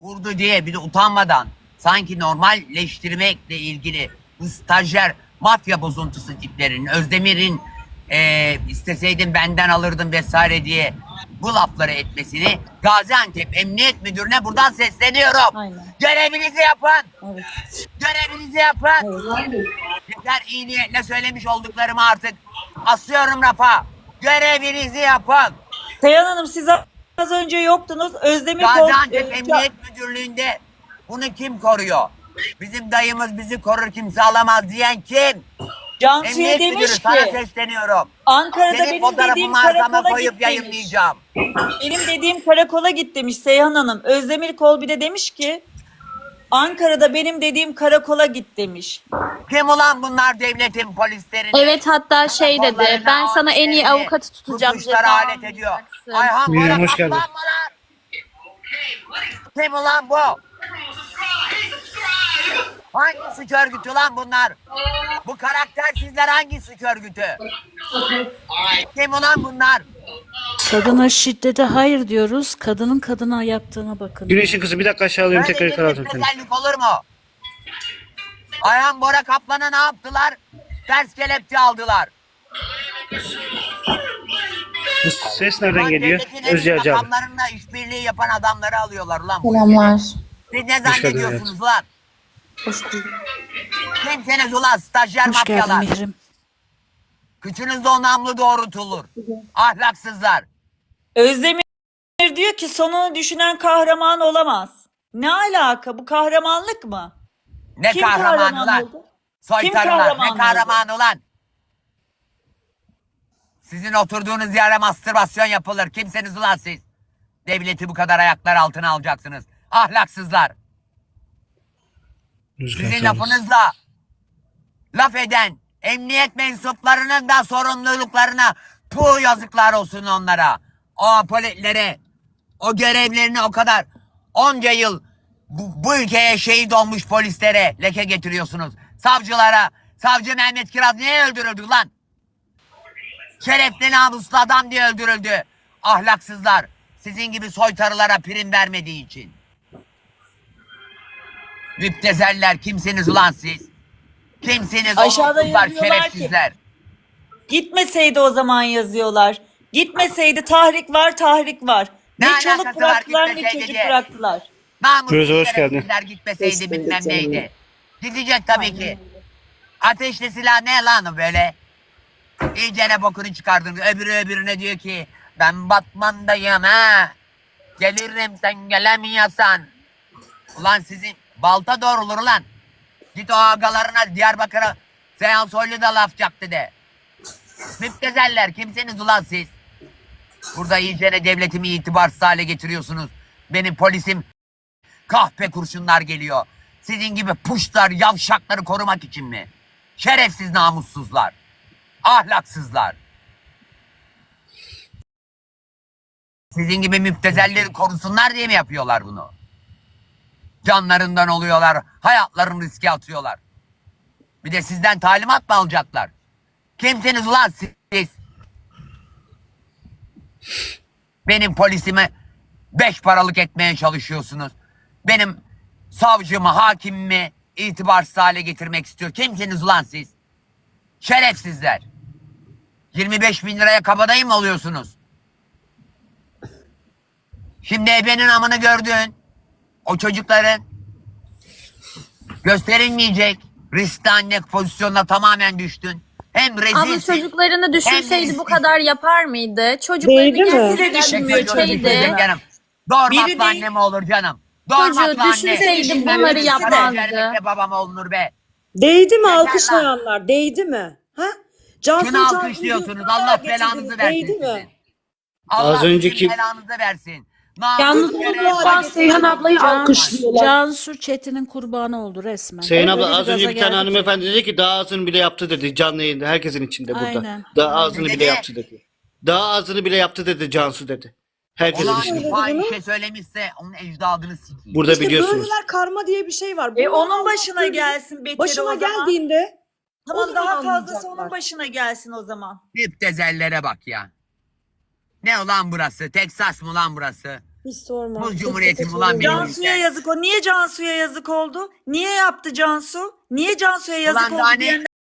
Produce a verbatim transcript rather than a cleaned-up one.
vurdu diye bir de utanmadan sanki normalleştirmekle ilgili bu stajyer mafya bozuntusu tiplerin, Özdemir'in e, isteseydin benden alırdın vesaire diye bu lafları etmesini Gaziantep Emniyet Müdürü'ne buradan sesleniyorum. Aynen. Görevinizi yapın. Evet. Görevinizi yapın. Evet. Yeter, iyi niyetle söylemiş olduklarımı artık asıyorum rafa. Görevinizi yapın. Seyhan Hanım siz az önce yoktunuz. Özdemir Gaziantep Kol- Emniyet Müdürlüğü'nde bunu kim koruyor? Bizim dayımız bizi korur, kimse alamaz diyen kim? Cansu'ya Emniyet demiş Müdürü, ki sana sesleniyorum. Ankara'da Senin benim fotoğrafımı dediğim arkama karakola koyup git demiş. yayınlayacağım. Benim dediğim karakola git demiş Seyhan Hanım. Özdemir Kol bir de demiş ki Ankara'da benim dediğim karakola git demiş. Kim ulan bunlar devletin polislerini? Evet, hatta şey dedi, Karakollarını, ben sana en iyi amirlerini, avukatı tutacağım, bu kuşlara ceza alet ediyor. almayacaksın. Ayhan Miriam, Bora hoş geldin. kaplan mı lan? Kim ulan bu? Hangi suç örgütü lan bunlar? Bu karaktersizler hangi suç örgütü? Kim ulan bunlar? Kadına şiddete hayır diyoruz. Kadının kadına yaptığına bakın. Güneşin kızı bir dakika aşağı alıyorum, Böyle tekrar yukarı bir alacağım seni. güzellik olur mu? Ayhan Bora Kaplan'a ne yaptılar? Ters kelepçe aldılar. Bu ses nereden Ulan geliyor? devletin en Özce üst Hacı abi. makamlarında işbirliği yapan adamları alıyorlar ulan. bu Selamlar. ülkede. Siz ne Hoş geldin zannediyorsunuz ulan? Hoş bulduk. Kimseniz ulan stajyer Hoş geldin mafyalar? Mihrim. Kıçınızda o namlu doğrultulur. Ahlaksızlar. Özdemir diyor ki sonunu düşünen kahraman olamaz. Ne alaka, bu kahramanlık mı? Ne Kim kahraman kahraman ulan? oldu? Soytarılar. kahraman Ne kahraman ulan? Sizin oturduğunuz yere mastürbasyon yapılır. Kimseniz ulan siz? Devleti bu kadar ayaklar altına alacaksınız. Ahlaksızlar. Rüzgar Sizin sağ olasın. lafınızla laf eden emniyet mensuplarının da sorumluluklarına puh, yazıklar olsun onlara. O polislere, o görevlerini o kadar onca yıl bu, bu ülkeye şehit olmuş polislere leke getiriyorsunuz. Savcılara, savcı Mehmet Kiraz niye öldürüldü lan? Şerefli namuslu adam diye öldürüldü. Ahlaksızlar. Sizin gibi soytarılara prim vermediği için. Müptezeller, kimsiniz ulan siz? Kimsiniz Aşağıda onursuzlar, yazıyorlar ki- şerefsizler? Gitmeseydi o zaman yazıyorlar. Gitmeseydi tahrik var, tahrik var. Ne, Ne çoluk alakası var bıraktılar ne gitmeseydi çocuk diye? bıraktılar. Namussuz Gözü hoş geldin. şerefsizler gitmeseydi Hoş bilmem bulduk neydi. canım. Gidecek tabii ki. Ateşli silah ne lan o böyle? İyicene bokunu çıkardın. Öbürü öbürüne diyor ki ben Batman'dayım ha. Gelirim sen gelemiyorsan. Ulan sizin balta doğrulur lan. Git o ağalarına Diyarbakır'a Seyhan Soylu da laf çaktı de. Müptezeller, kimsiniz ulan siz? Burada iyicene devletimi itibarsız hale getiriyorsunuz. Benim polisim kahpe kurşunlar geliyor. Sizin gibi puşlar, yavşakları korumak için mi? Şerefsiz namussuzlar. Ahlaksızlar. Sizin gibi müptezelleri korusunlar diye mi yapıyorlar bunu? Canlarından oluyorlar, hayatlarını riske atıyorlar. Bir de sizden talimat mı alacaklar? Kimsiniz ulan siz? Benim polisimi beş paralık etmeye çalışıyorsunuz. Benim savcımı, hakimimi itibarsız hale getirmek istiyor. Kimsiniz ulan siz? Şerefsizler. yirmi beş bin liraya kabadayı mı oluyorsunuz? Şimdi ebenin amını gördün. O çocukların gösterilmeyecek riskli anne pozisyonuna tamamen düştün. Hem rezilsin. Ama çocuklarını düşünseydi Hem bu de- kadar yapar mıydı? Çocuklarını Değdi mi? gerçekten Değdi düşünmüyor çocuğu şeydi. düşünseydi. Canım. Doğurmakla Biri değil- anne mi olur canım? Doğurmakla Çocuğu anne. düşünseydi Bilmem bunları ne yapmazdı. karaciğerlikle babam olunur be. Değdi mi Yeter alkışlayanlar? Değdi mi? Ha? Cansu Şunu Can alkışlıyorsunuz. videosunu Allah getirdiniz. belanızı versin Değdi mi? sizin. Allah Az önceki- sizin belanızı versin. Yalnız Namus görev- onu Can- Seyhan ablayı Can- alkışlıyorlar. Cansu Çetin'in kurbanı oldu resmen. Sayın abla Öyle az önce gaza bir tane geldi ki. hanımefendi dedi ki daha ağzını bile yaptı dedi canlı yayında herkesin içinde burada. Aynen. Daha ağzını Ne bile dedi? yaptı dedi. Daha ağzını bile yaptı dedi Cansu dedi. Herkesin Ulan içinde. bir fahişe söylemişse onun ecdadını sikeyim. Burada İşte biliyorsunuz. böyleler karma diye bir şey var. E Bunlar onun başına Allah'ın gelsin beteri Başına o zaman. geldiğinde o Tamam, zaman daha fazlası anlayacaklar. onun başına gelsin o zaman. Müptezellere bak ya. Ne ulan burası? Teksas mı lan burası? Hiç sorma. Bu Tek cumhuriyetim tek ulan benim. söylüyorum. Cansu'ya yazık o. Niye Cansu'ya yazık oldu? Niye yaptı Cansu? Niye Cansu'ya yazık Ulan oldu daha ne- diyenler